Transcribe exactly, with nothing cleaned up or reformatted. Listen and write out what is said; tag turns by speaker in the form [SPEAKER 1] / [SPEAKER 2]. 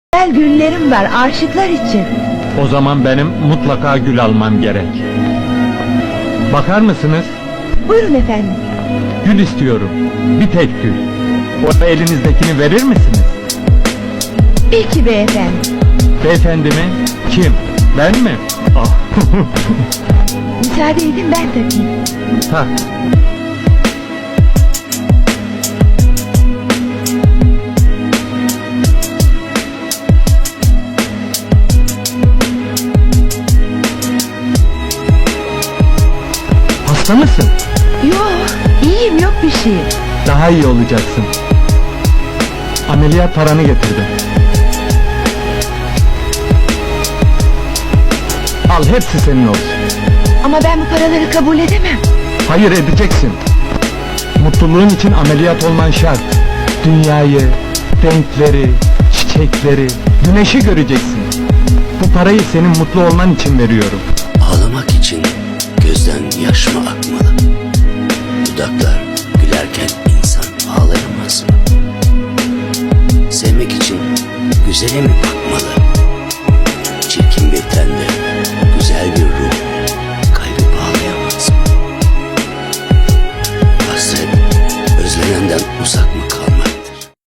[SPEAKER 1] Güzel güllerim var aşıklar için.
[SPEAKER 2] O zaman benim mutlaka gül almam gerek. Bakar mısınız?
[SPEAKER 1] Buyurun efendim.
[SPEAKER 2] Gül istiyorum. Bir tek gül. O elinizdekini verir misiniz?
[SPEAKER 1] Peki beyefendi.
[SPEAKER 2] Beyefendi mi? Kim? Ben mi? Ah.
[SPEAKER 1] Müsaade edin ben takayım.
[SPEAKER 2] Tak. Hasta mısın?
[SPEAKER 1] Yok, iyiyim, yok bir şey.
[SPEAKER 2] Daha iyi olacaksın. Ameliyat paranı getirdim. Al, hepsi senin olsun.
[SPEAKER 1] Ama ben bu paraları kabul edemem.
[SPEAKER 2] Hayır, edeceksin. Mutluluğun için ameliyat olman şart. Dünyayı, renkleri, çiçekleri, güneşi göreceksin. Bu parayı senin mutlu olman için veriyorum.
[SPEAKER 3] Ağlamak için gözden yaş mı akmalı? Dudaklar gülerken insan ağlayamaz mı? Sevmek için güzele mi bakmalı? Çirkin bir tende